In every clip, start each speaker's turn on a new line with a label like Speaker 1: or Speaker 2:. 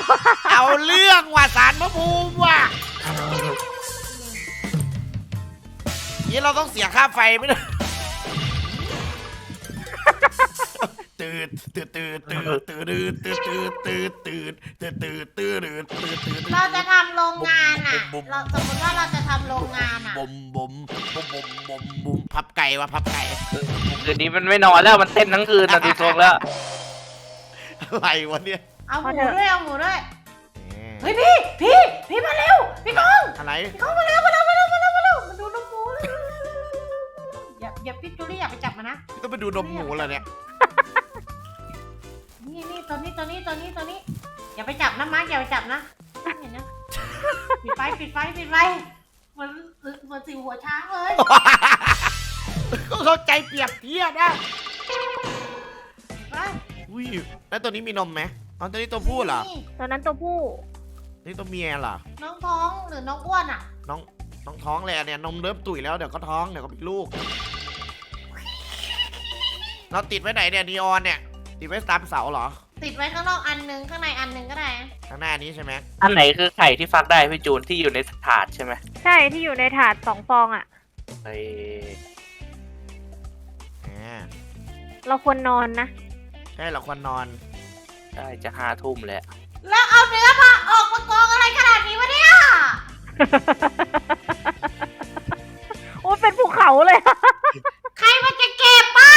Speaker 1: เอาเรื่องว่ะสารพระภูมิว่ะนี่เราต้องเสียค่าไฟไหมเนี่ยตื่น
Speaker 2: เราจะทำโรงงานอ่ะเราสมมติว่าเราจะทำโรงงานอ่ะ
Speaker 1: บุมพับไก่ว่ะพับไก่
Speaker 3: คืนนี้มันไม่นอนแล้วมันเต้นทั้งคืนนะดูทรงแล้ว
Speaker 1: อะไรวะเนี่ย
Speaker 2: เอาหมูด้วยเอาหมูด้วยเฮ้ยพี่มาเร็วพี่กอง
Speaker 1: อะไร
Speaker 2: พี่กองมาเร็วมาดูน้องหมูอย่าพี่จูลี่อย่าไปจับมันนะ
Speaker 1: ต้องไปดูนมหมูเหรอเนี่ย
Speaker 2: นี่ตัวนี้อย่าไปจับนะมาร์คอย่าไปจับนะเห็นนะปิดไฟเหมือนสิวหัวช้างเลย
Speaker 1: ก็เข้าใจเปรียบเทียบนะ
Speaker 2: ไป
Speaker 1: อุ้ยแล้วตัวนี้มีนมไหมอ๋อตัวนี้ตัวผู้เหรอ
Speaker 4: ตอนนั้นตัวผู้
Speaker 1: นี่ตัวเมียเหรอ
Speaker 2: น้องท้องหรือน้องอ้วนอ่ะ
Speaker 1: น้องท้องเลยอะเนี่ยนมเริ่มตุ๋ยแล้วเดี๋ยวก็ท้องเดี๋ยวก็มีลูกเราติดไว้ไหนเนี่ยนีออนเนี่ยติดไว้ตามเสาเหรอ
Speaker 2: ติดไว้ข้างนอกอันนึงข้างในอันนึงก็ได้
Speaker 1: ข้างหน้านี้ใช่ไหม
Speaker 3: อันไหนคือไข่ที่ฟักได้พี่จูนที่อยู่ในถาดใช่ไหม
Speaker 4: ใช่ที่อยู่ในถาด2 ฟองอ่ะ
Speaker 3: ไอ้
Speaker 4: เราควรนอนนะ
Speaker 1: ใช่เราควรนอน
Speaker 3: ได้จะ5 ทุ่มแล้ว
Speaker 2: แล้วเอาเนื้อมาออกมากองอะไรขนาดนี้วะเนี่ย
Speaker 4: โอ้ยเป็นภูเขาเลย
Speaker 2: ใครมันจะเก็บป่ะ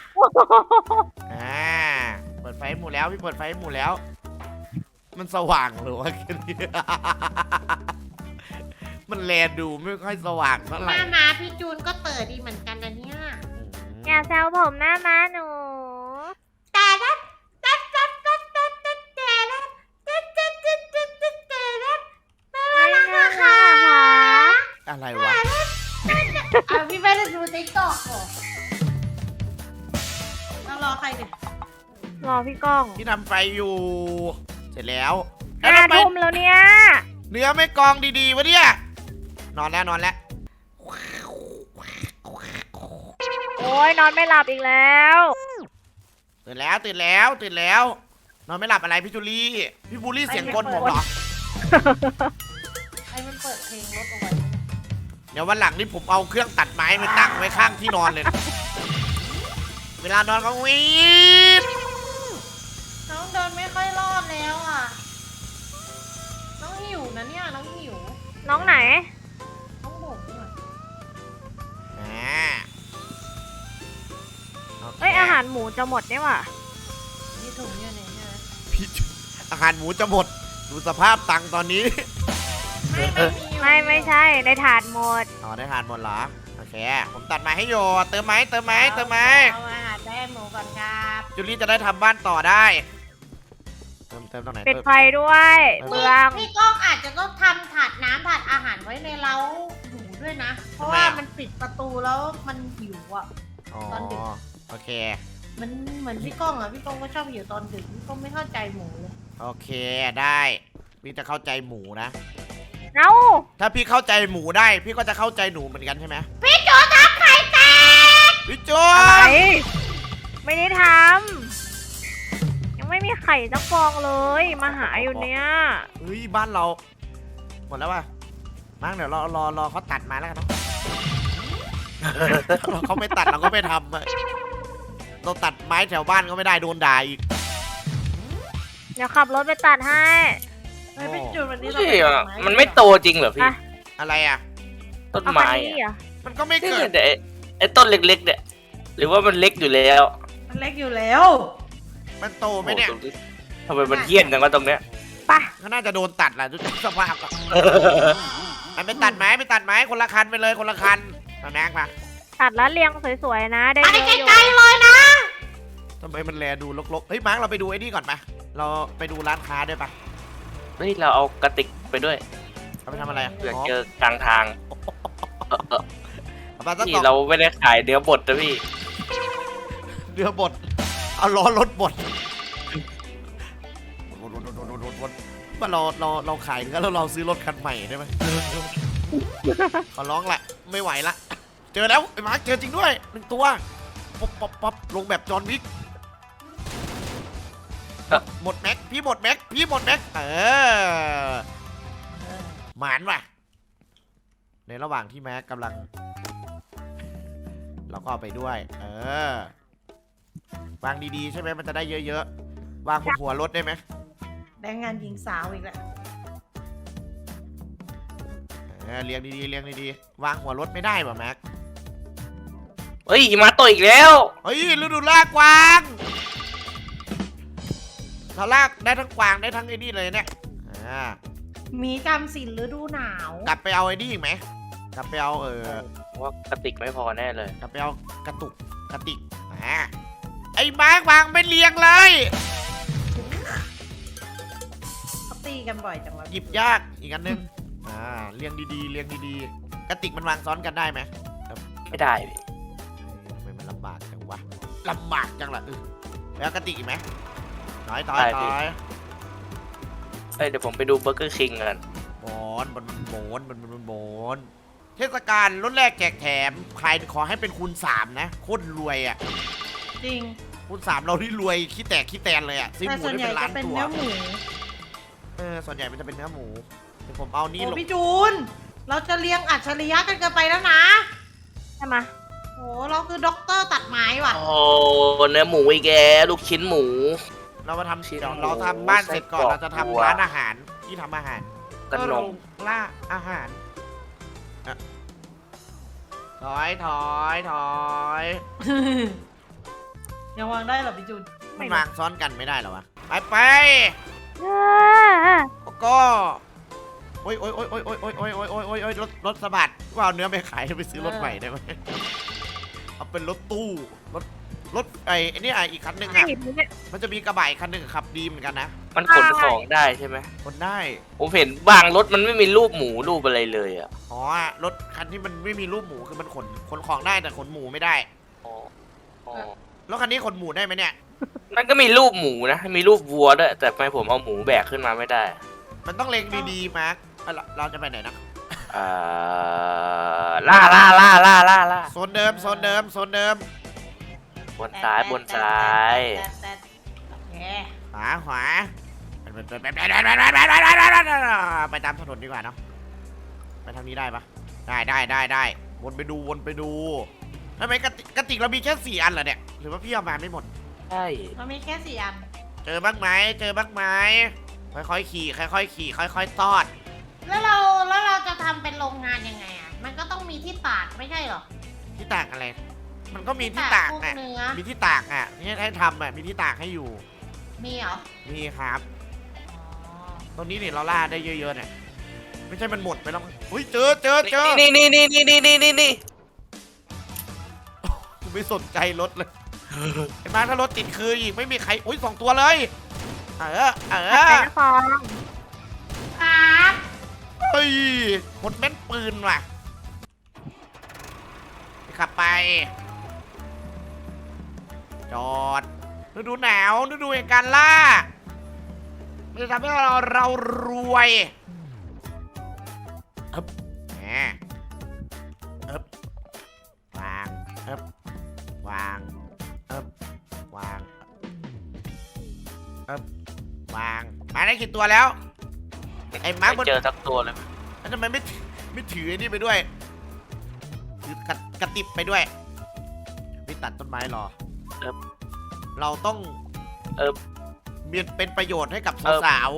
Speaker 1: เปิดไฟหมู่แล้วพี่เปิดไฟหมู่แล้ว มันสว่างหรือว่าแค่นี้ มันแลดูไม่ค่อยสว่างเท่าไห
Speaker 2: ห
Speaker 1: ร่
Speaker 2: น้ามาพี่จูนก็เปิดดีเหมือนกันนะเนี่ย
Speaker 4: อย่าแซวผมหน้าม้าหนู
Speaker 2: แต่ละ
Speaker 4: ไม่น่าค่ะค่ะ
Speaker 1: อะไรวะ
Speaker 2: พี่ไม่ได้ดูติ๊กต็อกหรอต้องรอใครดิ
Speaker 4: รอพี่ก้อง
Speaker 1: ที่ทำไฟอยู่ เสร็จแล้ว
Speaker 4: 5 ทุ่มแล้วเนี่ย
Speaker 1: เนื้อไม่กองดีๆวะเนี่ยนอนแล้ว
Speaker 4: โอ้ยนอนไม่หลับอีกแล้ว
Speaker 1: ตื่นแล้วนอนไม่หลับอะไรพี่จูลี่พี่บูลลี่เสียงกลผมเหรอ
Speaker 2: ไอ้มันเปิดเพลงรถเอาไว้
Speaker 1: เดี๋ยววันหลังนี่ผมเอาเครื่องตัดไม้ไปตั้งไว้ข้างที่นอนเลยนะเวลานอนก็วีด
Speaker 2: น้องเดินไม่ค่อยรอดแล้วอ่ะน้องหิวนะเนี่ยน้องหิว
Speaker 4: น้องไหน
Speaker 2: น้องบุกหน่อย
Speaker 4: เอ้ยอาหารหมูจะหมดเนี่ยว่ะ
Speaker 2: นี่ถุงอยู่ไหนเนี่ย
Speaker 1: พี่อาหารหมูจะหมดดูสภาพตังค์ตอนนี้
Speaker 4: ไม่ใช่ในถาดหมด
Speaker 1: อ๋อได้ทานหมดเหรอโอเคผมตัดไม้ให้โยเติมไม้
Speaker 2: เอาอาหารได้หมูก่อนครับ
Speaker 1: จูลี่จะได้ทำบ้านต่อได้เติมตรงไหน
Speaker 4: ปิดไฟด้วยเบือง
Speaker 2: พี่ก้องอาจจะต้องทำถาดน้ำถาดอาหารไว้ในเล้าหมูด้วยนะ เพราะว่ามันปิดประตูแล้วมันหิวอ่ะ
Speaker 1: อ๋อ
Speaker 2: ตอนดึก
Speaker 1: โอเค
Speaker 2: มันเหมือนพี่ก้องอ่ะพี่ก้องก็ชอบหิวตอนดึกพี่ก้องไม่เข้าใจหมูเลย
Speaker 1: โอเคได้พี่จะเข้าใจหมูนะ
Speaker 4: เอ้า
Speaker 1: ถ้าพี่เข้าใจหมูได้ พี่ก็จะเข้าใจหนูเหมือนกันใช่ไหม
Speaker 2: พี่โจทำไข่แตก
Speaker 1: พี่โจ
Speaker 4: อะไรไม่ได้ทำยังไม่มีไข่สักฟองเลยมาหาอยู่เนี่ย
Speaker 1: เฮ้ยบ้านเราหมดแล้วว่ะมั้งเดี๋ยวรอเขาตัดมาแล้วกันเนาะ เขาไม่ตัดเราก็ไม่ทำอะเราตัดไม้แถวบ้านก็ไม่ได้โดนด่าอีก
Speaker 4: เดี๋ยวขับรถไปตัดให้
Speaker 2: เฮ้ยพี่จูนวันนี้
Speaker 3: ไม่
Speaker 2: เรา
Speaker 3: ใช่
Speaker 2: ไป
Speaker 3: อะ
Speaker 2: ตัด
Speaker 3: มันไม่โตจริงเหรอพี่
Speaker 4: อ่ะ
Speaker 1: อะไรอ่ะ
Speaker 3: ต้น
Speaker 4: เอาคัน
Speaker 3: ไม้
Speaker 4: นี้เหรอ
Speaker 1: มันก็ไม่
Speaker 3: นี่
Speaker 1: เกิด
Speaker 3: แต่ไอ้ต้นเล็กๆเนี่ยหรือว่ามันเล็กอยู่แล้ว
Speaker 2: มันเล็กอยู่แล้ว
Speaker 1: มันโตไหมเนี่ย
Speaker 3: โอ้โหทำไมมันเหี้ยนจังวะตรงเนี้ย
Speaker 4: ไป
Speaker 1: ก็น่าจะโดนตัดแหละดูจากสภาพอะมันไปตัดไม้คนละคันไปเลยคนละคันเอาแม็กมา
Speaker 4: ตัดแล้วเรียงสวยๆนะได้
Speaker 2: ไป
Speaker 4: เยอะอยู่
Speaker 2: ไกลๆเลยนะ
Speaker 1: ทำไมมันแลดูลกๆเฮ้ยมาร์คเราไปดูไอ้นี่ก่อนปะเราไปดูร้านค้าด้วยปะ
Speaker 3: เฮ้ยเราเอากระติกไปด้วย
Speaker 1: เอาไปทำอะไรอะ
Speaker 3: เผื่อเจอกลางทาง
Speaker 1: เอาไปสัก
Speaker 3: นี่
Speaker 1: กล่อง
Speaker 3: เราไม่ได้ขายเนื้อบดนะพี่
Speaker 1: เรือบดเอาล้อรถบดมาเราขายเนื้อแล้วเราซื้อรถคันใหม่ได้ไหมขอร้องแหละไม่ไหวละเจอแล้วไอ้มาร์คเจอจริงด้วย1 ตัวป๊อปลงแบบจอห์นวิกหมดแม็กพี่หมดแม็กพี่หมดแม็กหมานว่ะในระหว่างที่แม็กกำลังเราก็เอาไปด้วยวางดีๆใช่ไหมมันจะได้เยอะๆวางบนหัวรถได้ไหม
Speaker 2: แรงงานหญิงสาวอีกแล้ว
Speaker 1: เรียงดีๆเรียงดีๆวางหัวรถไม่ได้ป่ะแม็ก
Speaker 3: เฮ้ยหิมาโตอีกแล้ว
Speaker 1: เฮ้ยฤดูลากกวางเราลากได้ทั้งกวางได้ทั้งไอ้นี่เลยเนี่ย
Speaker 2: มีจำศีลฤดูหนาว
Speaker 1: กลับไปเอาไอ้นี่อีกไหมกลับไปเอา
Speaker 3: ว่ากระติกไม่พอแน่เลย
Speaker 1: กลับไปเอากระติกไอ้มาร์กวางไม่เรียงเลย
Speaker 2: เขาตีกันบ่อยจังวะ
Speaker 1: หยิบยากอีกอันนึงเรียงดีๆเรียงดีๆกระติกมันวางซ้อนกันได้ไหม
Speaker 3: ไม่ได้พี่
Speaker 1: ทำไมมันลำบากจังวะลำบากจังล่ะแล้วกระติกอีกไหมน้อย
Speaker 3: เฮ้ยเดี๋ยวผมไปดูเบอร์เกอร์คิงกัน
Speaker 1: บนเทศกาลรถแรกแจกแถมใครขอให้เป็นคูณ3นะโคตรรวยอ่ะ
Speaker 2: จริง
Speaker 1: คูณ3เราที่รวยขี้แตกขี้แตนเลยอ่ะซื้อ
Speaker 2: แต่
Speaker 1: หมู
Speaker 2: ส่วน
Speaker 1: ได้
Speaker 2: ใหญ่
Speaker 1: เป็นล้าน
Speaker 2: จะเป็น
Speaker 1: ตัว
Speaker 2: เนื้อหมู
Speaker 1: ส่วนใหญ่มันจะเป็นเนื้อหมูเดี๋ยวผมเอานี่
Speaker 2: โอ้
Speaker 1: ลง
Speaker 2: พี่จูน เราจะเลี้ยงอัจฉริยะกันเกินไปแล้วนะ
Speaker 4: ใช่ไหม
Speaker 2: โอ้เราคือด็อกเตอร์ตัดไม้ว่ะ
Speaker 3: โอ้เนื้อหมูอีกแกลูกชิ้นหมู
Speaker 1: เรามาทำ
Speaker 3: ชิ้น
Speaker 1: เดี๋ยว
Speaker 3: หมู
Speaker 1: เราทำบ้านเสร็จก่อน
Speaker 3: ไส้กรอก
Speaker 1: เราจะ
Speaker 3: วัว
Speaker 1: ทำร้านอาหารที่ทำอาหาร
Speaker 3: ขนม
Speaker 1: ล่าอาหารถอย
Speaker 2: ยังวางได้เหรอพี่จูน
Speaker 1: มันวางซ้อนกันไม่ได้เหรอวะไป
Speaker 4: เออ
Speaker 1: ก็โอ้ยรถสะบัดว่าเอาเนื้อไปขายไปซื้อรถใหม่ได้ไหมเอาเป็นรถตู้รถไอ้นี่อีกคันหนึ่งอ่ะ
Speaker 4: หยิบเลยเนี่ย
Speaker 1: มันจะมีกระบะอีกคันหนึ่งขับดีเหมือนกันนะ
Speaker 3: มันขนของได้ใช่ไหม
Speaker 1: คนได้
Speaker 3: ผมเห็นบางรถมันไม่มีรูปหมูรูปอะไรเลยอ่ะ
Speaker 1: อ๋อรถคันที่มันไม่มีรูปหมูคือมันขนของได้แต่ขนหมูไม่ได้
Speaker 3: อ๋อ
Speaker 1: แล้วคันนี้ขนหมูได้ไหมเนี่ย
Speaker 3: มันก็มีรูปหมูนะ มีรูปวัวด้วยแต่ทำไมผมเอาหมูแบกขึ้นมาไม่ได้
Speaker 1: มันต้องเล็งดีๆมาร์คเราจะไปไหนนะ
Speaker 3: ล่า
Speaker 1: โซนเดิม
Speaker 3: บนซ้ายโอเค
Speaker 1: ขวาไปตามถนนดีกว่าเนาะไปทางนี้ได้ปะได้วนไปดูทำไมกระติกเรามีแค่4 อันเหรอเนี่ยหรือว่าพี่เอามาไม่หมด
Speaker 3: ใช่
Speaker 2: มันมีแค่4 อัน
Speaker 1: เจอบ้างไหมค่อยๆขี่ค่อยๆตอด
Speaker 2: แล้วเราจะทำเป็นโรงงานยังไงอ่ะ มันก็ต้องมีที่ตากไม่ใช่เหรอ
Speaker 1: ที่ตากอะไร มันก็มีที่ตาก
Speaker 2: พวก
Speaker 1: นะ
Speaker 2: เนื้อ
Speaker 1: มีที่ตากอ่ะนี่ให้ทำอ่ะมีที่ตากให้อยู่
Speaker 2: มีเหรอ
Speaker 1: นี่ครับ
Speaker 2: อ๋อ
Speaker 1: ตรงนี้เนี่ยเราล่าได้เยอะๆเนี่ยไม่ใช่มันหมดไปแล้วมั้งอุ้ยเจอ
Speaker 3: นี่
Speaker 1: กูไม่สนใจรถเลยไอ้มาถ้ารถติดคืออีกไม่มีใครอุ้ย2 ตัวเลย
Speaker 4: ผัดไก่ฟอง
Speaker 2: ครับ
Speaker 1: เฮ้ยหมดแม่นปืนว่ะขับไปจอดฤดูหนาวฤดูแห่งการล่ามันจะทำให้เรารวยแหมวางวางมาได้กี่ตัวแล้วไอ้มาร์ค
Speaker 3: ไม่เจอสักตัวเลย
Speaker 1: แล้วทำไมไม่ถือไอ้นี่ไปด้วยถือกระติบไปด้วยไม่ตัดต้นไม้รอเราต้องมีเป็นประโยชน์ให้กับสาว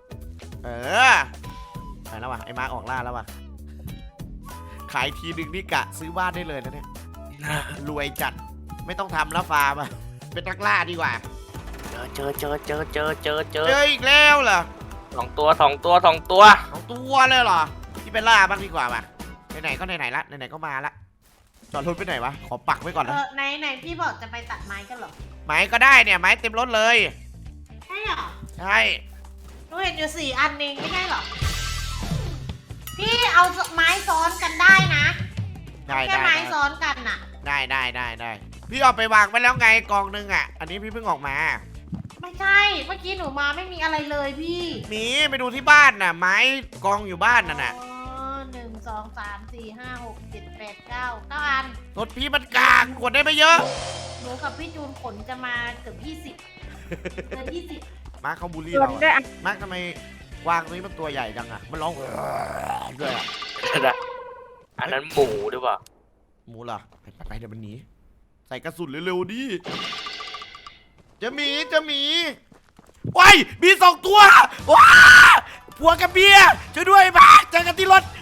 Speaker 1: ไปแล้วว่ะไอ้มาร์คออกล่าแล้วว่ะขายทีนึงนี่กะซื้อบ้านได้เลยนะเนี่ยรวยจัดไม่ต้องทำแล้วฟาร์มอะเป็นนักล่าดีกว่า
Speaker 3: เจอ
Speaker 1: อีกแล้วเหรอ
Speaker 3: 2 ตัว
Speaker 1: 2 ตัวเลยเหรอที่เป็นล่าบ้างดีกว่าป่ะไหนๆก็ไหนๆละไหนๆก็มาละจอดรถไปไหนวะขอปักไว้ก่อนนะ
Speaker 2: ไหนพี่บอกจะไปตัดไม้กันเหรอ
Speaker 1: ไม้ก็ได้เนี่ยไม้เต็มรถเลย
Speaker 2: ใช่เหรอ
Speaker 1: ใช่
Speaker 2: หนูเห็นอยู่4 อันเองไม่ใช่เหรอ พี่เอาไม้ซ้อนกันได้นะแค่ไม้ซ้อนกันน่ะ
Speaker 1: ได้พี่เอาไปวางไว้แล้วไงกองนึงอ่ะอันนี้พี่เพิ่งออกมา
Speaker 2: ไม่ใช่เมื่อกี้หนูมาไม่มีอะไรเลยพี่
Speaker 1: มีไปดูที่บ้านน่ะไม้กองอยู่บ้านน่ะ
Speaker 2: 1 2 3 4 5 6 7 8 9 อัน
Speaker 1: รถพี่มันกลางกดได้ไม่เยอะ
Speaker 2: หนูกับพี่จูนขนจะมาเกือบ20 เดือน20
Speaker 1: มาร์คเขาบูลลี่
Speaker 4: ชวน
Speaker 1: เรา
Speaker 4: ด้วย
Speaker 1: อะ
Speaker 4: อะ
Speaker 1: มาร์คทำไมกวางตัวนี้มันตัวใหญ่จังอะมันร้องด้วยอะ
Speaker 3: อันนั้นหมูหรือเปล่า
Speaker 1: หมูเหรอไปเดี๋ยวมันหนีใส่กระสุนเร็วๆดิจะหมีว้ายมี2 ตัวว้าผัวกับเมียช่วยด้วยมาเจอกันที่รถ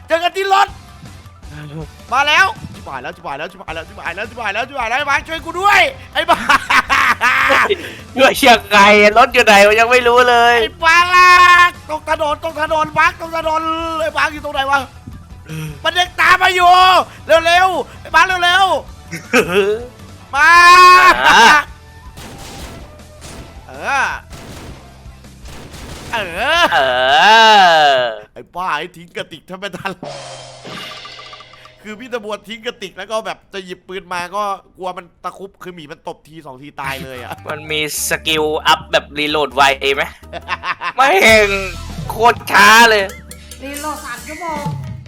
Speaker 1: มาแล้วชิบหายแล้วมาช่วยกูด้วยไอ้บ้า
Speaker 3: ด้วยเชียงไงรถอยู่ไหนวะยังไม่รู้เลย
Speaker 1: ไอ้บ้าตรงถนนมาร์คตรงถนนไอ้บ้าอยู่ตรงไหนวะมันยังตามมาอยู่เร็วไอ้บ้าเร็วมา เออ
Speaker 3: เออ
Speaker 1: ไอ้ป้าไอ้ทิ้งกระติกถ้าไม่ทันคือพี่ตะบวนทิ้งกระติกแล้วก็แบบจะหยิบปืนมาก็กลัวมันตะคุบคือหมีมันตบที2 ทีตายเลยอ่ะ
Speaker 3: มันมีสกิลอัพแบบรีโหลดไวไหมไม่เห็นโคตรช้าเลย
Speaker 2: รีโหลด3 ชั่วโมง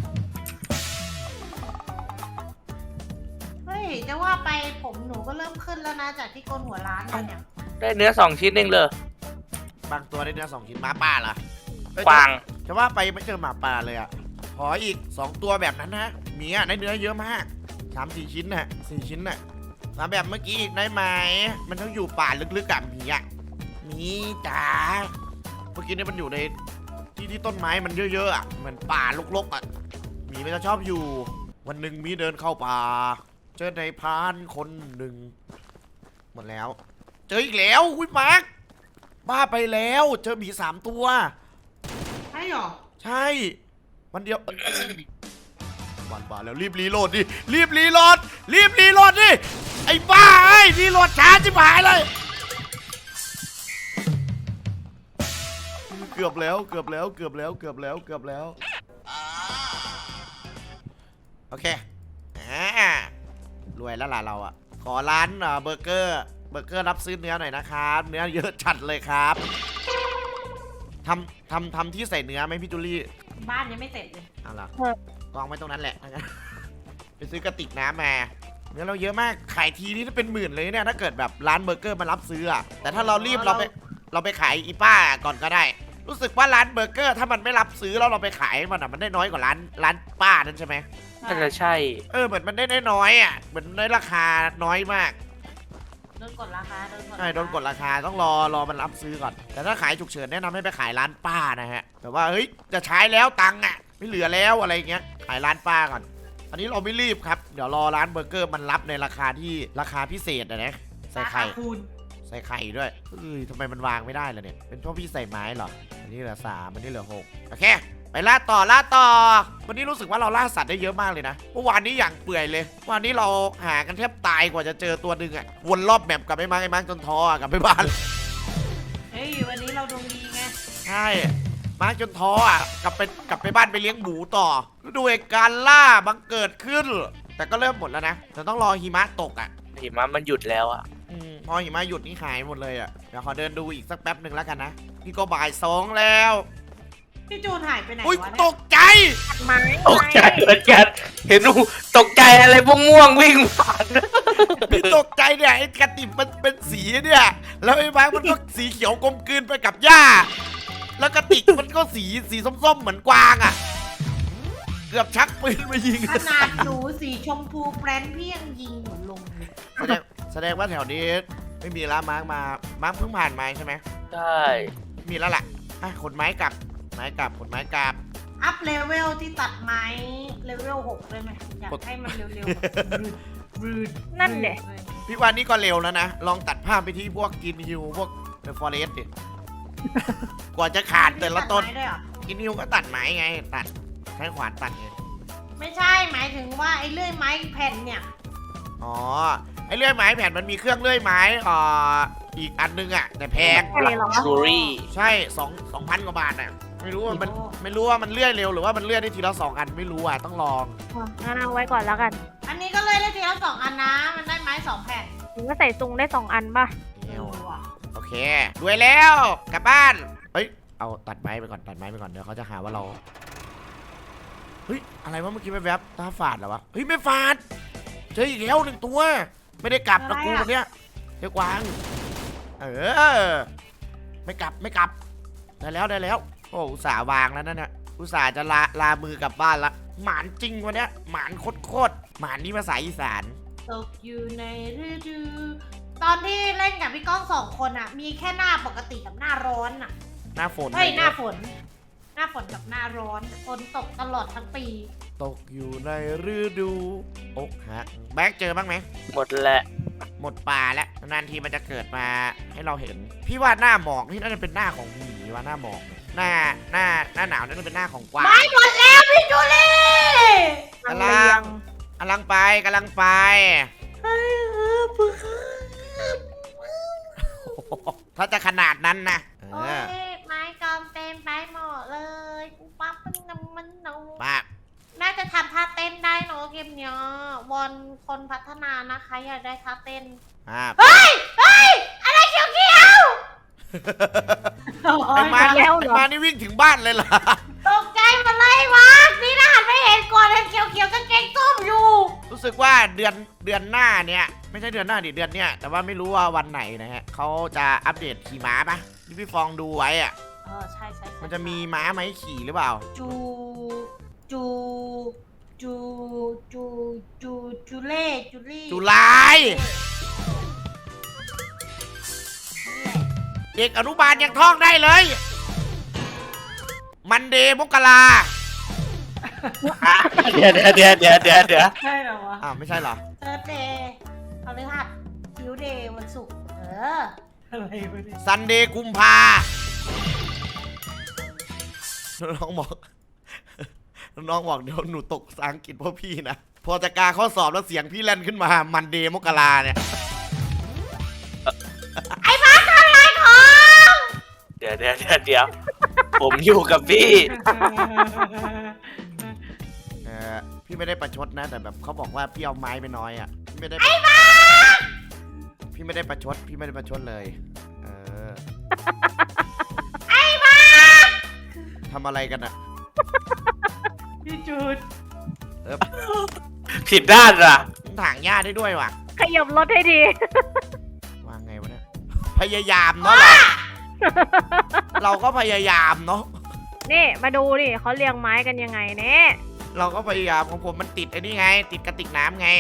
Speaker 2: เฮ้ยจะว่าไปผมหนูก็เริ่มขึ้นแล้วนะจากที่โกนหัวร้านมาเนี่ย
Speaker 3: ได้เนื้อ2 ชิ้นเองเลย
Speaker 1: บางตัวได้เนื้อ2 ชิ้นหมาป่าเหรอเอ้ย
Speaker 3: ฟาง
Speaker 1: จะว่าไปไม่เจอหมาป่าเลยอ่ะขออีก2 ตัวแบบนั้นนะหมีอ่ะได้เนื้อเยอะมาก3-4 ชิ้นน่ะ4 ชิ้นน่ะมาแบบเมื่อกี้อีกได้ไหมมันต้องอยู่ป่าลึกๆกับหมีอ่ะหมีจ๋าเมื่อกี้นี่มันอยู่ในที่ต้นไม้มันเยอะๆอ่ะเหมือนป่ารกๆอ่ะหมีมันจะชอบอยู่วันหนึ่งหมีเดินเข้าป่าเจอในพรานคนหนึ่งหมดแล้ว เจออีกแล้วอุ้ยมาร์คบ้าไปแล้วเจอหมี3 ตัว
Speaker 2: ใช่หรอ
Speaker 1: ใช่วันเดียวบ้าแล้วรีบรีโหลดดิรีบรีโหลดดิไอ้บ้าไอ้รีโหลดช้าจิบหายเลยเกือบแล้วโอเครวยแล้วล่ะเราอ่ะขอร้านเบอร์เกอร์รับซื้อเนื้อหน่อยนะครับเนื้อเยอะจัดเลยครับทำที่ใส่เนื้อไหมพี่จูลี่
Speaker 2: บ้านยังไม่เสร็จเลย
Speaker 1: เอาล่ะกองไว้ตรงนั้นแหละ ไปซื้อกระติกน้ำมาเนื้อเราเยอะมากขายทีนี่ถ้าเป็น10,000เลยเนี่ยถ้าเกิดแบบร้านเบอร์เกอร์มารับซื้ออะแต่ถ้าเรารีบเราไปขายอีป้าก่อนก็ได้ รู้สึกว่าร้านเบอร์เกอร์ถ้ามันไม่รับซื้อแล้วเราไปขายมันได้น้อยกว่าร้านป้านั่นใช่ไหม
Speaker 3: น่าจะใช่
Speaker 1: เหมือนมันได้น้อยอ่ะเหมือนได้ราคาน้อยมาก
Speaker 2: โดนกดราคา
Speaker 1: ใช่โดนกดราคาต้องรอมันรับซื้อก่อน แต่ถ้าขายฉุกเฉินแนะนำให้ไปขายร้านป้านะฮะแบบว่าเฮ้ยจะใช้แล้วตังค์อ่ะไม่เหลือแล้วอะไรเงี้ยขายร้านป้าก่อนอันนี้เราไม่รีบครับเดี๋ยวรอร้านเบอร์เกอร์มันรับในราคาพิเศษนะใส่ไข่
Speaker 2: คูณ
Speaker 1: ใส่ไข่ด้วยทำไมมันวางไม่ได้ล่ะเนี่ยเป็นเพราะพี่ใส่ไม้เหรออันนี้เหลือ3อันนี้เหลือ6โอเคไปล่าต่อวันนี้รู้สึกว่าเราล่าสัตว์ได้เยอะมากเลยนะเมื่อวานนี้อย่างเปื่อยเลยวันนี้เราหากันแทบตายกว่าจะเจอตัวหนึ่งอ่ะวนรอบแมปกลับไปมาจนท้อกลับไปบ้าน
Speaker 2: เฮ้ยวันนี้เราดวงดีไง
Speaker 1: ใช่มาจนท้ออ่ะกลับไปบ้านไปเลี้ยงหมูต่อดูเหตุการณ์ล่าบังเกิดขึ้น แต่ก็เริ่มหมดแล้วนะแต่ต้องรอหิมะตกอ่ะ
Speaker 3: หิมะมันหยุดแล้วอะ
Speaker 1: พอหิมะหยุดนี่หายหมดเลยอ่ะเดี๋ยวขอเดินดูอีกสักแป๊บหนึ่งแล้วกันนะนี่ก็บ่าย2แล้ว
Speaker 2: พี่จูนหายไปไหน
Speaker 1: อุ้ยว
Speaker 2: ะ
Speaker 1: ต
Speaker 2: เนี่ย
Speaker 1: กใจ
Speaker 4: ตัดไม้
Speaker 3: ตกใจเหมือนกันเห็นหนูตกใจอะไรพวกม่วงวิ่งผ่าน
Speaker 1: พี่ตกใจเนี่ยไอ้กระติบมันเป็นสีเนี่ยแล้วไอ้บ้ามันก็สีเขียวกลมกลืนไปกับหญ้าแล้วกระติกมันก็สีส้มๆเหมือนกวางอ่ะเกือบชักปืนมายิง
Speaker 2: ขนาดหนูสีชมพูแบรนด์พี่ยังยิงหนูลงเลย
Speaker 1: แสดงว่าแถวนี้ไม่มีร้านมาร์คเพิ่งผ่านมาใช่ไหม
Speaker 3: ใช่
Speaker 1: มีแล้วล่ะขนไม้กลับขนไม้กลับ
Speaker 2: อัพเลเวลที่ตัดไม้เลเวล6ได้ไหมอยากให้มันเร็วๆแบบรืด
Speaker 4: นั่นเด็
Speaker 1: พี่วันนี้ก็เร็วแล้วนะลองตัดภาพไปที่พวกกินฮิวพวกเดอะฟอเรสต์ดิกว่าจะขาดแต่ละต้น
Speaker 2: ตัดไม้ด้วยเหรอ
Speaker 1: กินฮิวก็ตัดไม้ไงตัดใช้ขวานตัดไง
Speaker 2: ไม่ใช่หมายถึงว่าไอ้เลื่อยไม้แผ่นเนี่ย
Speaker 1: อ๋อไอ้เลื่อยไม้แผ่นมันมีเครื่องเลื่อยไม้อีกอันนึงอ่ะแต่แพง
Speaker 4: ใช่เหรอ
Speaker 3: ชูรี่
Speaker 1: ใช่2,000 กว่าบาทอ่ะไม่รู้ว่ามันเลื่อยเร็วหรือว่ามันเลื่อยได้ทีละ2 อันไม่รู้อ่ะต้องลอง
Speaker 4: งั้นเอาไว้ก่อนแล้วกัน
Speaker 2: อันนี้ก็เลยได้ทีละ2 อันนะมันได้ไม้2 แผ่น
Speaker 4: ถึงก็ใส่ซุงได้2 อันป่ะ
Speaker 2: ว่ะ
Speaker 1: โอเครวยแล้วกลับบ้านเฮ้ยเอาตัดไม้ไปก่อนเดี๋ยวเขาจะหาว่าเราเฮ้ยอะไรวะเมื่อกี้แวบๆตาฝาดเหรอวะเฮ้ยไม่ฝาดเจออีกแล้ว1 ตัวไม่ได้กลับนะกูวันเนี้ยเจ้ากวางไม่กลับได้แล้วโอ้อุตส่าห์วางแล้วนั่นน่ะอุตส่าห์จะลามือกลับบ้านละหมานจริงวันเนี้ยหมานโคตรหมานนี่ภาษาอีสาน
Speaker 2: ตกอยู่ในฤดูตอนที่เล่นกับพี่ก้องสองคนอะมีแค่หน้าปกติกับหน้าร้อนอะ
Speaker 1: หน้าฝน
Speaker 2: เฮ้ยหน้าฝนกับหน้าร้อนฝนตกตลอดทั้งปี
Speaker 1: ตกอยู่ในฤดูอกหักแบ็คเจอบ้างไหม
Speaker 3: หมดแหละ
Speaker 1: หมดป่าแล้วนานทีมันจะเกิดมาให้เราเห็น พี่ว่าหน้าหมอกนี่น่าจะเป็นหน้าของหมีว่าหน้าหมอกเนี่ยหน้าหนาวนั่นจะเป็นหน้าของกวาง
Speaker 2: ไม่หมดแล้วพี่จูลี่
Speaker 1: กำลังไปถ้าจะขนาดนั้นนะ
Speaker 2: โอ้ยไม้กอมเต็มไปหมดเลยกูปั๊บมันหนู
Speaker 1: ป้า
Speaker 2: น่าจะทำท่าเต้นได้เนอะเกมเนี้ยวอนคนพัฒนานะคะอยากได้ท่าเต้น เฮ้ยอะไรเขียว
Speaker 1: ไอ้มา
Speaker 4: แล้วเหรอ
Speaker 1: นี่วิ่งถึงบ้านเลยเหรอ
Speaker 2: ตกใจหมาเลยวะนี่นะหันไปเห็นก่อนเห็นเขียวกางเกงส้มอยู่
Speaker 1: รู้สึกว่าเดือนหน้าเนี่ยไม่ใช่เดือนหน้าดิเดือนเนี้ยแต่ว่าไม่รู้ว่าวันไหนนะฮะเขาจะอัปเดตขี่ม้าปะที่พี่ฟองดูไว้อะ
Speaker 2: ใช่
Speaker 1: มันจะมีม้าไหมขี่หรือเปล่า
Speaker 2: จูเล่
Speaker 1: จุลาย เด็กอนุบาลยังท่องได้เลย มันเดย์มกรา
Speaker 3: เดี๋ยว
Speaker 2: ใช่เหรอวะ
Speaker 1: อ้าวไม่ใช่เหรอ
Speaker 2: เติร์ดเดย์พฤหัสคิวเดย์วันศุกร์อะไรวะเนี่ย
Speaker 1: ซันเดย์กุมภาน้องบอกเดี๋ยวหนูตกภาษาอังกฤษเพราะพี่นะ พอจะกาข้อสอบแล้วเสียงพี่แล่นขึ้นมา มันเดย์มกราเนี่ย
Speaker 2: ไอ้บ้าทำอะไรของ
Speaker 3: เดี๋ยวผมอยู่กับพี่
Speaker 1: พี่ไม่ได้ประชดนะ แต่แบบเขาบอกว่าพี่เอาไม้ไปน้อยอ่ะพี่ไม่ได้พี่ไม่ได้ประชดเลย
Speaker 2: ไอ้บ้า
Speaker 1: ทำอะไรกันอ่ะ
Speaker 2: พี่จูด
Speaker 3: ผิดด้านอ่ะ
Speaker 1: ถางหญ้าได้ด้วยว่ะ
Speaker 4: ขยับรถให้ดี
Speaker 1: วางไงวะเนี่ยพยายามเนาะเราก็พยายามเนาะ
Speaker 4: นี่มาดูดิเขาเรียงไม้กันยังไงเนี่ย
Speaker 1: เราก็พยายามของผมมันติดไอ้นี่ไง ติดกระติกน้ำไง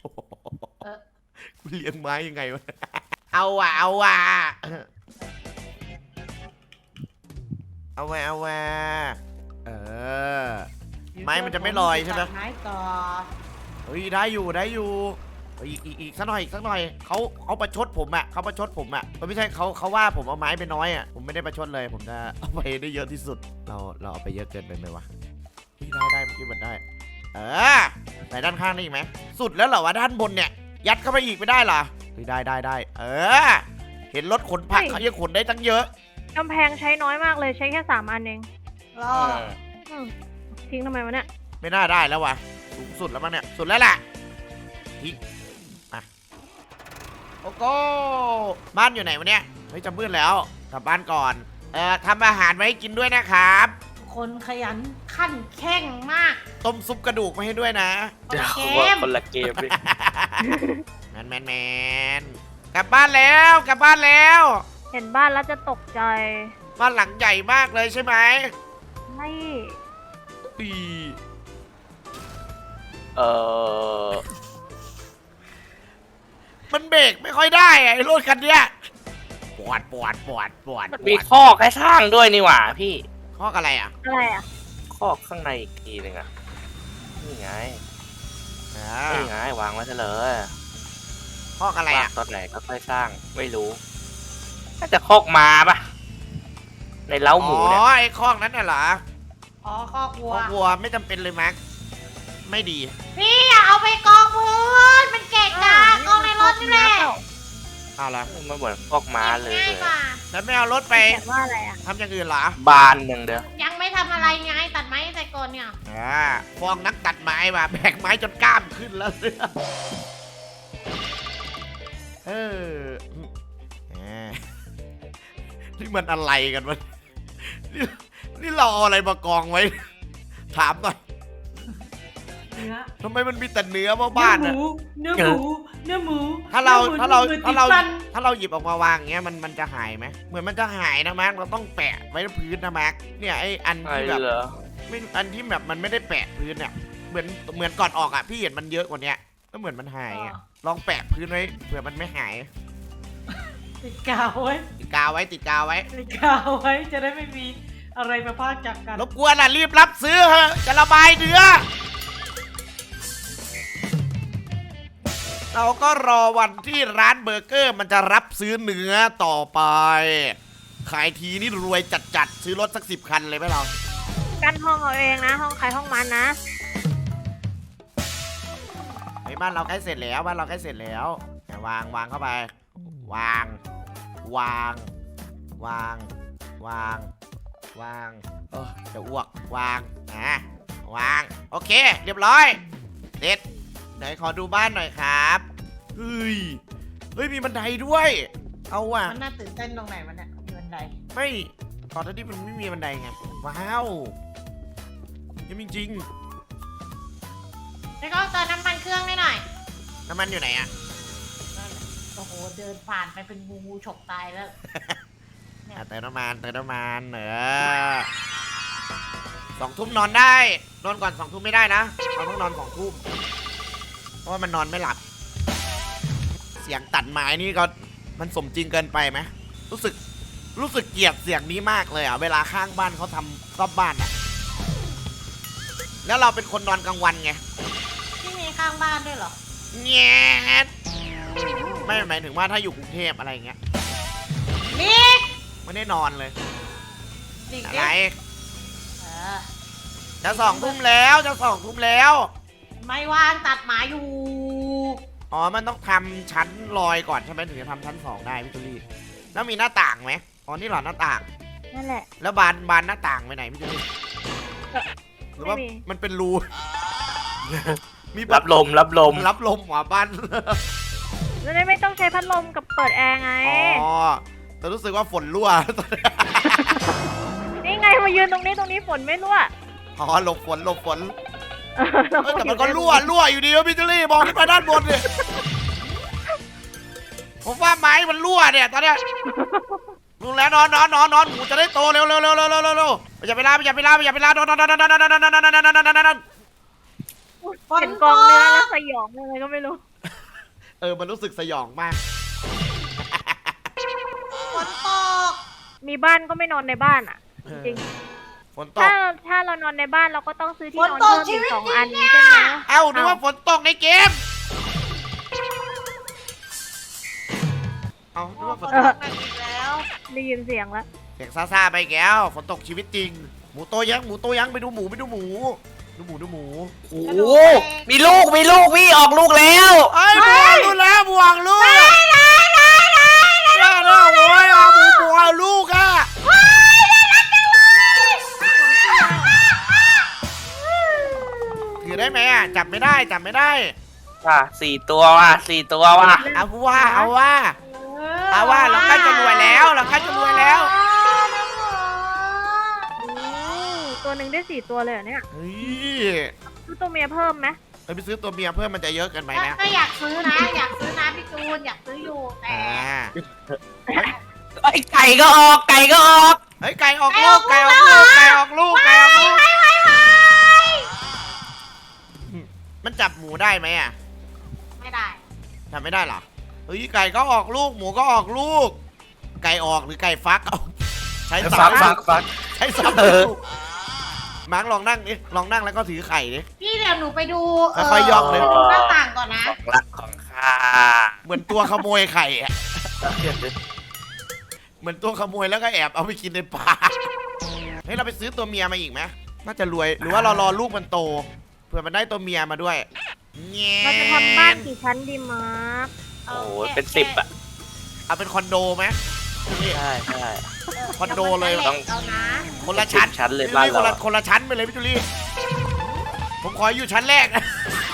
Speaker 1: กูเลี้ยงไม้ยังไงวะเอาว่ะเอาว่ะไม้มันจะไม่ลอยใช่ไหม
Speaker 2: ไม้ก่อน
Speaker 1: เฮ้ยได้อยู่อีกสักหน่อยเขาประชดผมอ่ะไม่ใช่เขาว่าผมเอาไม้ไปน้อยอ่ะผมไม่ได้ประชดเลยผมจะเอาไปได้เยอะที่สุดเราเอาไปเยอะเกินไปไหมวะได้เมื่อกี้มันได้ใส่ด้านข้างได้อีกไหมสุดแล้วเหรอวะด้านบนเนี่ยยัดเข้าไปอีกไม่ได้เหรอเฮ้ยได้เห็นรถขนผักเขายังขนได้ตั้งเยอะ
Speaker 4: กำแพงใช้น้อยมากเลยใช้แค่3 อันเอง
Speaker 2: รอ
Speaker 4: ทิ้งทำไมวะเนี่ย
Speaker 1: ไม่น่าได้แล้ววะสูงสุดแล้วมั้งเนี่ยสุดแล้วแหละทิ้งมาโอ้โหบ้านอยู่ไหนวะเนี่ยเฮ้ยจะมืดแล้วกลับบ้านก่อนทำอาหารไว้ให้กินด้วยนะครับ
Speaker 2: คนขยันขั้นแข้งมาก
Speaker 1: ต้มซุปกระดูกมาให้ด้วยนะ
Speaker 3: เดี๋ยว
Speaker 2: เกม
Speaker 3: คนละเกมดิ
Speaker 1: แมนกลับบ้านแล้ว
Speaker 4: เห็นบ้านแล้วจะตกใจ
Speaker 1: บ้านหลังใหญ่มากเลยใช่ไหม
Speaker 4: ไม่
Speaker 1: อี มันเบรกไม่ค่อยได้อะไอ้รถคันเนี้ยปวด
Speaker 3: มันมีข้อให้สร้างด้วยนี่หว่าพี่
Speaker 1: ข้ออะไรอ่ะ
Speaker 4: อะไรอ่ะ
Speaker 3: ข้อข้างในอีกทีหนึงอ่ะนี่ไงวางไว้ซะเลย
Speaker 1: ข้ออะไร
Speaker 3: วาง
Speaker 1: อ่ะ
Speaker 3: ตอนไหนก็ค่อยสร้างไม่รู้น่าจะคอกม้าปะในเล้าหมูเนี่ย
Speaker 1: ไอ้ข้อนั้นน่ะเหรอ
Speaker 2: อ๋อคอกวัว
Speaker 1: ข้อวัวไม่จำเป็นเลยแม็กไม่ดี
Speaker 2: พี่อย่าเอาไปกองพื้นมันเกะกะกองในรถนี่แหละ
Speaker 1: เอาละ
Speaker 3: มันเหมือนคอกม้าเลย
Speaker 2: ง่ายกว่า
Speaker 1: แล้วไม่เอารถไป
Speaker 4: เขียนว่าอะไรอ่ะ
Speaker 1: ทำอย่างอื่นเหรอ
Speaker 3: บานหนึ่งเด้อ
Speaker 2: ยังไม่ทำอะไรไงตัดไม้ใส่ก่อนเนี่ย
Speaker 1: ฟองนักตัดไม้มาแบกไม้จนกล้ามขึ้นแล้วนี่มันอะไรกันวะนี่เราเอาอะไรมากองไว้ ถามหน่อย
Speaker 2: นื้อ
Speaker 1: ทำไมมันมีแต่เนื้อบ้านๆ
Speaker 2: เนื้
Speaker 1: อะ
Speaker 2: อหมูเนื้อหมูเนื้อหมู
Speaker 1: ถ้าเรา
Speaker 2: นื้อหมู
Speaker 1: ถ้าเรา
Speaker 2: หมือน
Speaker 1: ถ้าเรา
Speaker 2: ติดฟัน
Speaker 1: ถ้าเราหยิบออกมาวางอย่างเงี้ยมันจะหายไหมเหมือนมันจะหายนะมาร์คเราต้องแปะไว้ที่พื้นนะมาร์คเนี่ยไออัน
Speaker 3: ไอ้
Speaker 1: ที่แบบ
Speaker 3: เหรอ
Speaker 1: ไม่อันที่แบบมันไม่ได้แปะพื้นเนี่ยเหมือนก่อนออกอ่ะพี่เห็นมันเยอะกว่าเนี้ยก็เหมือนมันหายอะลองแปะพื้นไว้เผื่อมันไม่หาย
Speaker 2: ติดกาวไว้
Speaker 1: ติดกาวไว้ติดกาวไว้
Speaker 2: ติดกาวไว้จะได้ไม่มีอะไรมาพากจากกัน
Speaker 1: รบกวนอ่ะรีบรับซื้อเถอะจะระบายเนื้อเราก็รอวันที่ร้านเบอร์เกอร์มันจะรับซื้อเนื้อต่อไป ขายทีนี่รวยจัดๆซื้อรถสัก10 คันเลยไหมเรา
Speaker 4: กันห้องเอาเองนะ ห้องใครห้องมันนะ
Speaker 1: ไอ้บ้านเราใกล้เสร็จแล้วบ้านเราใกล้เสร็จแล้ววางเข้าไป วางจะอ้วกวางวางโอเค เรียบร้อยเสร็จไหนขอดูบ้านหน่อยครับเฮ้ยมีบันไดด้วย เอาว่ะ
Speaker 2: มันน่าตื่นเต้นตรงไหนมันเนี่ยมีบันได
Speaker 1: ไม่ก่อนหน้านี้มันไม่มีบันไดไงว้าวยังจริง
Speaker 2: แล้วก็เติมน้ำมันเครื่องให้หน่อย
Speaker 1: ๆน้ำมันอยู่ไหนอะ
Speaker 2: นั่นแหละโอ้โหเดินผ่านไปเป็นงูฉกตายแล้ว
Speaker 1: เติมน้ำมัน2 ทุ่มนอนได้นอนก่อน2 ทุ่มไม่ได้นะเราต้องนอน2 ทุ่มเพราะว่ามันนอนไม่หลับ เสียงตัดไม้นี่ก็มันสมจริงเกินไปไหมรู้สึกเกลียดเสียงนี้มากเลยอ่ะเวลาข้างบ้านเขาทำรอบบ้านอ่ะแล้วเราเป็นคนนอนกลางวันไง
Speaker 2: ที่มีข้างบ้านด้วยเหรอ
Speaker 1: แง่ไม่หมายถึงว่าถ้าอยู่กรุงเทพอะไรอย่างเงี้ย
Speaker 2: มิก
Speaker 1: ไม่ได้นอนเลย
Speaker 2: ดิ๊ก
Speaker 1: อะ
Speaker 2: ดิ๊
Speaker 1: ไร
Speaker 2: กเออ
Speaker 1: จะ2 ทุ่มแล้ว
Speaker 2: ไม่ว่างตัดหมาอยู่
Speaker 1: อ๋อมันต้องทำชั้นลอยก่อนใช่ไหมถึงจะทำชั้น2ได้พี่ตุลี่แล้วมีหน้าต่างไหมอ๋อนี่เหรอหน้าต่าง
Speaker 4: นั่นแหละ
Speaker 1: แล้วบานหน้าต่างไปไหนพี่ตุลี่หรือว่า
Speaker 4: ไม่มี
Speaker 1: มันเป็นรู มี
Speaker 3: รับลม
Speaker 1: รับลมหัวบ้าน
Speaker 4: จะได้ไม่ต้องใช้พัดลมกับเปิดแอร์ไง
Speaker 1: อ๋อแต่รู้สึกว่าฝนรั่ว
Speaker 4: นี่ไงมายืนตรงนี้ฝนไม่รั่ว
Speaker 1: อ๋อหลบฝนเอ้ยแต่มันก็รั่วอยู่ดีวะพี่ตุลี่มองขึ้นไปด้านบนเนี่ยผมว่าไม้มันรั่วเนี่ยตอนเนี้ยลุงแล้วนอนหมูจะได้โตเร็วอย่าไปลานนอน
Speaker 4: เห็นกองเนื้อแล้วสยองเลยก็ไม่รู้
Speaker 1: มันรู้สึกสยองมาก
Speaker 2: ฝนตก
Speaker 4: มีบ้านก็ไม่นอนในบ้านอ่ะ จริง
Speaker 1: ฝนตก
Speaker 4: ถ้าเรานอนในบ้านเราก็ต้องซื้อที่
Speaker 2: ฝน
Speaker 4: นอน
Speaker 2: ตก
Speaker 4: เพิ่ม
Speaker 2: ชี
Speaker 4: อีก
Speaker 2: วิต
Speaker 4: 2
Speaker 2: จริ
Speaker 4: อัน
Speaker 2: งเนี่ย
Speaker 4: ใช่ไหม
Speaker 1: เอ้านึกว่าฝนตกในเกมเอ้านึกว่าฝ
Speaker 2: ฝ
Speaker 1: น
Speaker 2: น
Speaker 1: ต
Speaker 2: ต
Speaker 1: ก
Speaker 2: กหนักอีกแล้ว
Speaker 4: ได้ยินเสียงแล้ว
Speaker 1: เสียงซ่าๆไปแก้วฝนตกชีวิตจริงหมูโตยังไปดูหมูดูหมู
Speaker 3: โอ้โหมีลูกพี่ออกลูกแล้ว
Speaker 1: ไอ้บวงลูกแล้วบวงลูกโอ้ยเอาหมูบวงลูกอ่ะถือได้ไหมอ่ะจับไม่ได้
Speaker 3: ว่ะ4 ตัวว่ะ
Speaker 1: เอาว่าเราใกล้จะรวยแล้ว
Speaker 4: ตัวหนึ่งได้4 ตัวเลยเหรอเนี่ย
Speaker 1: เฮ้ย
Speaker 4: ซื้อตัวเมียเพิ่มไหม
Speaker 1: ไปซื้อตัวเมียเพิ่มมันจะเยอะเกินไปนะ
Speaker 2: ก็อยากซื้อนะพี่จูนอยากซื้ออยู่แต่
Speaker 3: ไอ้ไก่ก็ออก
Speaker 1: เฮ้ยไก่ออกลูกมันจับหมูได้ไหมอ่ะ
Speaker 2: ไม่ได้
Speaker 1: จับไม่ได้เหรอเฮ้ยไก่ก็ออกลูกหมูก็ออกลูก ไก่ออกหรือไก่ฟักเอาใช้สับ
Speaker 3: ฟัก
Speaker 1: ใช้สับมาร์กลองนั่งแล้วก็ถือไข่ดิ
Speaker 2: พี่เดี๋ยวหนูไปดู
Speaker 1: ค่อยๆย่องเลย
Speaker 2: ไปดูหน้าต่างก่อนนะ
Speaker 3: ของรักของข้า
Speaker 1: เหมือนตัวขโมยไข่อะเหมือนตัวขโมยแล้วก็แอบเอาไปกินในป่าเฮ้ยเราไปซื้อตัวเมียมาอีกไหมน่าจะรวยหรือว่าเรารอลูกมันโตเผื่อมันได้ตัวเมียมาด้วยแง่
Speaker 4: เราจะทำบ้านกี่ชั้นดีมาร์ค
Speaker 3: โอ้โหเป็น10อ่ะ
Speaker 1: เอาเป็นคอนโดไหม
Speaker 3: ใช่
Speaker 1: คอนโดเลย
Speaker 2: เอานะ
Speaker 1: คนละชั้น
Speaker 3: ชั้นเลย
Speaker 1: พี่
Speaker 3: บ้าน
Speaker 1: จุ
Speaker 3: เรา
Speaker 1: คนละชั้นไปเลยพี่จุลี่ผมขออยู่ชั้นแรกนะ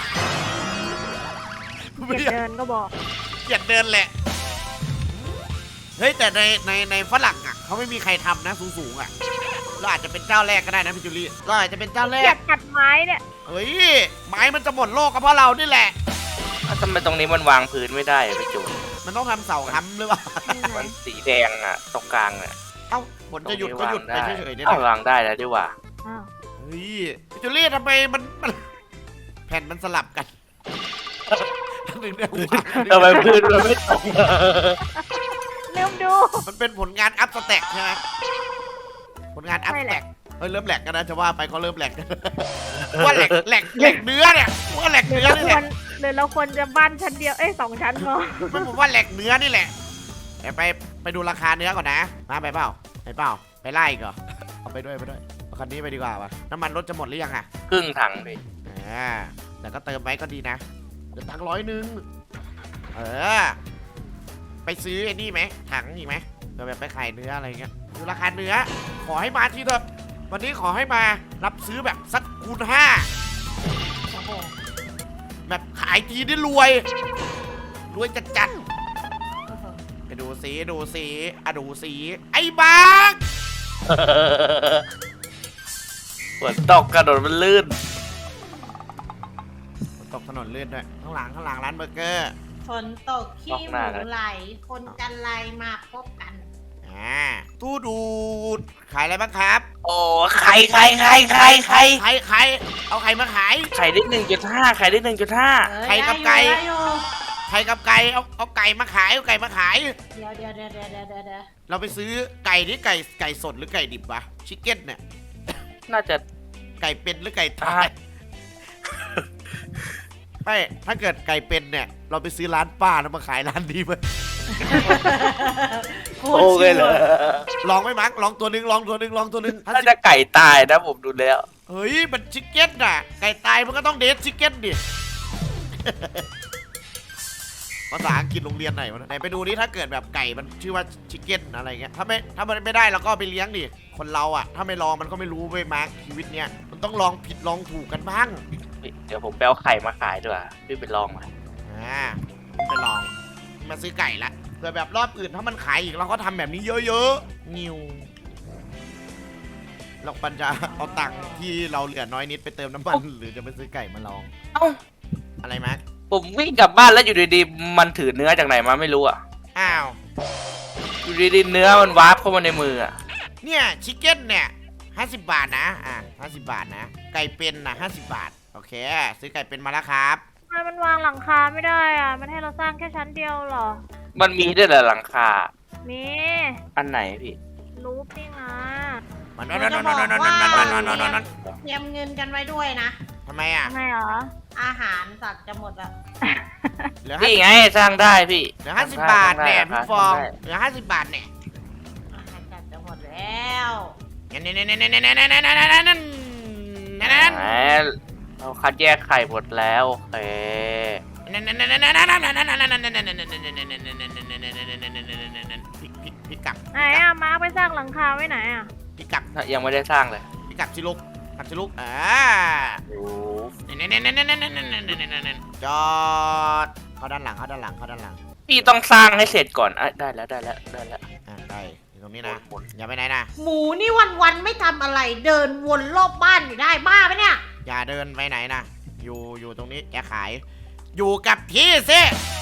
Speaker 4: เก็บเดินก็บอก
Speaker 1: เกลียดเดินแหละเฮ้ยแต่ในฝรั่งอ่ะเขาไม่มีใครทำนะสูงๆอ่ะเราอาจจะเป็นเจ้าแรกก็ได้นะพี่จุลี่เราอาจจะเป็นเจ้าแร
Speaker 4: เกลีย
Speaker 1: ก
Speaker 4: ดตัดไม้เนี่ย
Speaker 1: เฮ้ยไม้มันจะหมดโลกก็เพราะเรานี่แหละ
Speaker 3: แล้วทำไมตรงนี้มันวางพื้นไม่ได้อะพี่จูน
Speaker 1: มันต้องทำเสาค้ำหรือเปล่า
Speaker 4: นี่ไง
Speaker 3: มันสีแดงอะตรงกลางอะ
Speaker 1: เอ้าฝนจะหยุดก็หยุดไปเฉยๆเนี่ย
Speaker 3: เอา
Speaker 1: นะ
Speaker 3: วางได้แล้วดีกว่า
Speaker 4: อ้าว
Speaker 1: เฮ้ยจูเลีทำไมมันแผ่นมันสลับกันอันหนึ่งเนี่ย
Speaker 3: ทำไมพื้นมันไม่ตรง
Speaker 4: ลืมดู
Speaker 1: มันเป็นผลงานอัพสแต็กใช่ไหมผลงานอัพ
Speaker 4: ใช่
Speaker 1: ส
Speaker 4: แห
Speaker 1: แต็
Speaker 4: ละ
Speaker 1: กเฮ้ยเริ่มแหลกกันนะจะว่าไปก็เริ่มแหลกกันว่าแหลกเนื้อเนี่ยว่าแหลก
Speaker 4: หรือ
Speaker 1: เนื้อ
Speaker 4: เรา
Speaker 1: นี่
Speaker 4: ค
Speaker 1: แห
Speaker 4: ว
Speaker 1: ละ
Speaker 4: รหรือเราควรจะบ้านชั้นเดียว 2 ชั้นพอ
Speaker 1: ผมว่าแหลกเนื้อนี่แหละไปดูราคาเนื้อก่อนนะมาไปเปล่าไปไล่อีกเหรอเอาไปด้วยเอาคันนี้ไปดีกว่าวะน้ำมันรถจะหมดหรือยังอะ
Speaker 3: ครึ่งถังพี่
Speaker 1: แต่ก็เติมไว้ก็ดีนะเดี๋ยวตังค์100ไปซื้อไอ้นี่ไหมถังอีกไหมเดี๋ยวแบบไปขายเนื้ออะไรเงี้ยดูราคาเนื้อขอให้มาทีเถอะวันนี้ขอให้มารับซื้อแบบสักคูณ
Speaker 2: โอ้โห
Speaker 1: 5แบบขายทีได้รวยจัดๆไปดูสีดูสีไอ้บ้า
Speaker 3: ฝนตกกระโดดมันลื่น
Speaker 1: ตกถนนลื่นด้วยข้างหลังร้านเบอร์เกอร์
Speaker 2: ฝนตกขี้หมูไหล คนจันไรมาพบกัน
Speaker 1: ตู้ดูดขายอะไรบ้างครับ
Speaker 3: โอ้ไข่
Speaker 1: ใครเอาไข่มาขาย
Speaker 3: ไข่ได้1.5ไข่ได้1.5
Speaker 1: ไข่กับไก่
Speaker 2: ได้อยู่
Speaker 1: ไข่กับไก่เอาไก่มาขายเ
Speaker 2: ดี๋ยว
Speaker 1: เราไปซื้อไก่นี่ไก่สดหรือไก่ดิบวะชิคเก้นเนี่ย
Speaker 3: น่าจะ
Speaker 1: ไก่เป็นหรือไก่ตายไม่ถ้าเกิดไก่เป็นเนี่ย เราไปซื้อร้านป้าแล้วมาขายร้านนี้มั้ย
Speaker 2: โคตรชิวอะ
Speaker 1: ลองไหมมักลองตัวหนึง
Speaker 3: น่าจะไก่ตายนะผมดูแล้ว
Speaker 1: เฮ้ยมันชิคเก้นน่ะไก่ตายมันก็ต้องเดทชิคเก้นดิ ภาษาอังกฤษโรงเรียนไหนวะไหนไปดูนี่ถ้าเกิดแบบไก่มันชื่อว่าชิคเก้นอะไรเงี้ยถ้ามันไม่ได้เราก็เอาไปเลี้ยงดิคนเราอ่ะถ้าไม่ลองมันก็ไม่รู้เว้ยมาร์คชีวิตเนี้ยมันต้องลองผิดลองถูกกันบ้าง
Speaker 3: เดี๋ยวผมไปเอาไข่มาขายด้วยพี่ไปลองมา
Speaker 1: ไปลองมาซื้อไก่ละเผื่อแบบรอบอื่นถ้ามันขายอีกเราก็ทำแบบนี้เยอะๆนิวเราปัญจะเอาตังค์ที่เราเหลือน้อยนิดไปเติมน้ำมันหรือจะไปซื้อไก่มาลอง
Speaker 3: เอ้า
Speaker 1: อะไรมาร์ค
Speaker 3: ผมวิ่งกลับบ้านแล้วอยู่ดีๆมันถือเนื้อจากไหนมาไม่รู้อ่ะ
Speaker 1: อ้าว
Speaker 3: อยู่ดีๆเนื้อมันวาร์ปเข้ามาในมืออ่ะ
Speaker 1: เนี่ยชิคเก้นเนี่ย50 บาทนะ50 บาทนะไก่เป็นนะ50 บาทโอเคซื้อไก่เป็นมาแล้วครับ
Speaker 4: ทำไมมันวางหลังคาไม่ได้อ่ะ มันให้เราสร้างแค่ชั้นเดียวเหรอ
Speaker 3: มันมีด้วยเหรอหลังคา
Speaker 4: มี
Speaker 3: อันไหนพี่
Speaker 4: รูปนี่นะ
Speaker 1: มัน
Speaker 2: เราจะบอกว่าเตรียมเงินกันไว้ด้วยนะ
Speaker 1: ทำไมอ่ะ
Speaker 4: ทำไมเหรอ
Speaker 2: อาหารสัตว์จะหมดแล้ว
Speaker 1: เหลือ
Speaker 3: พี่ไงสร้างได้พี่
Speaker 1: เหลือ50 บาทเนี่ย
Speaker 3: สร้
Speaker 1: พี่ฟอง
Speaker 3: ได้
Speaker 1: เหลือ50 บาทเนี่ย
Speaker 2: อาหารสัตว์จะหมดแล้ว
Speaker 3: แหมเราคัดแยกไข่หมดแล้วโอเค
Speaker 1: พี่กลับ
Speaker 4: ไหนอ่ะ มาร์คไปสร้างหลังคาไว้ไหนอ่ะ
Speaker 1: พี่กลับ
Speaker 3: ยังไม่ได้สร้างเลย
Speaker 1: พี่กลับสิลูก
Speaker 3: โอ้
Speaker 1: จอดเข้าด้านหลัง
Speaker 3: พี่ต้องสร้างให้เสร็จก่อนได้แล้ว
Speaker 1: ได้อยู่ตรงนี้นะอย่าไปไหนนะ
Speaker 2: หมูนี่วันๆไม่ทำอะไรเดินวนรอบบ้านอยู่ได้บ้าปะเนี่ย
Speaker 1: อย่าเดินไปไหนนะอยู่ตรงนี้แกขายอยู่กับที่ซิ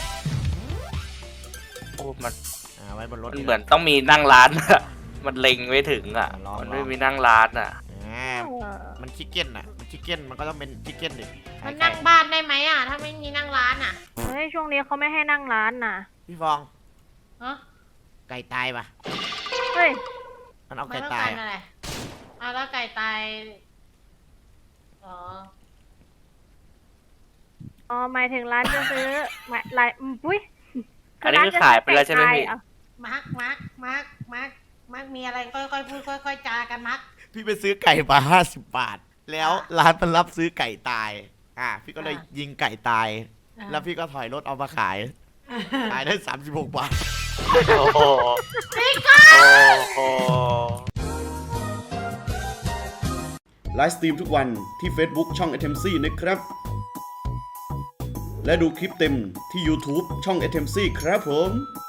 Speaker 3: โอ้มัน
Speaker 1: ไว้บนรถ
Speaker 3: เหมือนต้องมีนั่งร้าน อะมันเล็งไม่ถึงอ่ะ
Speaker 1: ลอง
Speaker 3: มันไม่มีนั่งร้านอ่ะ
Speaker 1: มันชิคเก้นอ่ะมันชิคเก้นมันก็ต้องเป็นชิคเก้นดิ
Speaker 2: มันนั่งบ้านได้ไหมอ่ะ ถ้าไม่มีนั่งร้านอ่ะ
Speaker 4: เฮ้ย ช่วงนี้เขาไม่ให้นั่งร้านน่ะ
Speaker 1: พี่ฟอง
Speaker 2: ฮะ
Speaker 1: ไก่ตายปะ
Speaker 4: เฮ้ย
Speaker 1: มันเอา
Speaker 2: ไม่
Speaker 1: ไก่
Speaker 2: ต้อง
Speaker 1: ตา
Speaker 2: กาย รอะไรแล้วไก่ตาย อ๋อ
Speaker 4: อ๋อ หมายถึงร้านจะซื้อปุ้ย
Speaker 3: อันนี้คือขายไปแล้วใช่ไหมพี่
Speaker 2: มาร์คมีอะไรค่อยๆพูดค่อยๆจากันมาร์ค
Speaker 1: พี่ไปซื้อไก่มา50 บาท แล้วร้านมันรับซื้อไก่ตายพี่ก็เลยยิงไก่ตาย แล้วพี่ก็ถอยรถเอามาขายได้36 บาท
Speaker 3: โอ้โหโอ้โห
Speaker 5: ไลฟ์สตรีมทุกวันที่ Facebook ช่อง Atemcy นะครับ และดูคลิปเต็มที่ YouTube ช่อง Atemcy ครับผม